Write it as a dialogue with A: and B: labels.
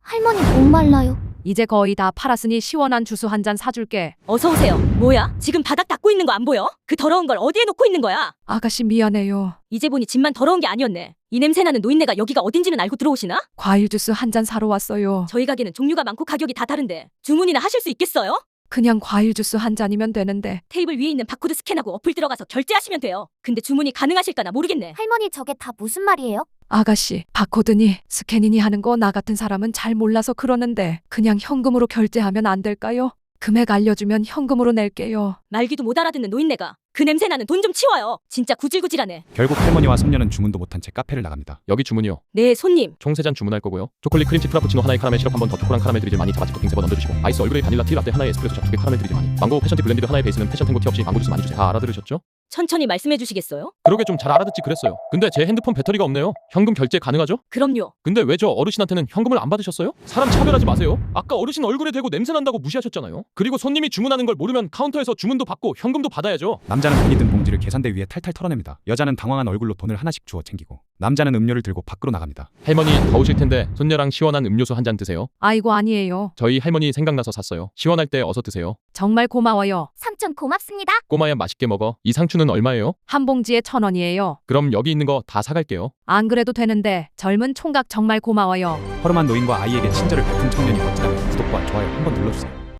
A: 할머니 목말라요.
B: 이제 거의 다 팔았으니 시원한 주스 한 잔 사줄게.
C: 어서 오세요. 뭐야? 지금 바닥 닦고 있는 거 안 보여? 그 더러운 걸 어디에 놓고 있는 거야?
B: 아가씨 미안해요.
C: 이제 보니 집만 더러운 게 아니었네. 이 냄새나는 노인네가 여기가 어딘지는 알고 들어오시나?
B: 과일 주스 한 잔 사러 왔어요.
C: 저희 가게는 종류가 많고 가격이 다 다른데 주문이나 하실 수 있겠어요?
B: 그냥 과일 주스 한 잔이면 되는데.
C: 테이블 위에 있는 바코드 스캔하고 어플 들어가서 결제하시면 돼요. 근데 주문이 가능하실까나 모르겠네.
A: 할머니 저게 다 무슨 말이에요?
B: 아가씨, 바코드니 스캐니니 하는 거 나 같은 사람은 잘 몰라서 그러는데 그냥 현금으로 결제하면 안 될까요? 금액 알려주면 현금으로 낼게요.
C: 말귀도 못 알아듣는 노인네가 그 냄새나는 돈 좀 치워요. 진짜 구질구질하네.
D: 결국 할머니와 손녀는 주문도 못한 채 카페를 나갑니다.
E: 여기 주문이요.
C: 네, 손님.
E: 총 3잔 주문할 거고요. 초콜릿 크림치 프라푸치노 하나에 카라멜 시럽 한 번 더, 초코랑 카라멜 드리즐 많이 자바치고 빙 3번 얹어주시고, 아이스 얼그레이 바닐라 티 라떼 하나에 에스프레소 샷 2개 카라멜 드리즐 많이, 망고 패션티 블렌디드 하나에 베이스는 패션 탱고 티 없이 망고 주스 많이 주세요. 다 알아들으셨죠?
C: 천천히 말씀해 주시겠어요?
E: 그러게 좀 잘 알아듣지 그랬어요. 근데 제 핸드폰 배터리가 없네요. 현금 결제 가능하죠?
C: 그럼요.
E: 근데 왜 저 어르신한테는 현금을 안 받으셨어요? 사람 차별하지 마세요. 아까 어르신 얼굴에 대고 냄새 난다고 무시하셨잖아요. 그리고 손님이 주문하는 걸 모르면 카운터에서 주문도 받고 현금도 받아야죠.
D: 남자는 돈이 든 봉지를 계산대 위에 탈탈 털어냅니다. 여자는 당황한 얼굴로 돈을 하나씩 주워 챙기고, 남자는 음료를 들고 밖으로 나갑니다.
E: 할머니 더우실 텐데 손녀랑 시원한 음료수 한 잔 드세요.
B: 아이고 아니에요.
E: 저희 할머니 생각나서 샀어요. 시원할 때 어서 드세요.
B: 정말 고마워요.
A: 삼촌 고맙습니다.
E: 꼬마야 맛있게 먹어. 이 상추는 얼마예요?
B: 한 봉지에 1,000원이에요.
E: 그럼 여기 있는 거 다 사갈게요.
B: 안 그래도 되는데 젊은 총각 정말 고마워요.
D: 허름한 노인과 아이에게 친절을 베푼 청년이 멋지다면 구독과 좋아요 한번 눌러주세요.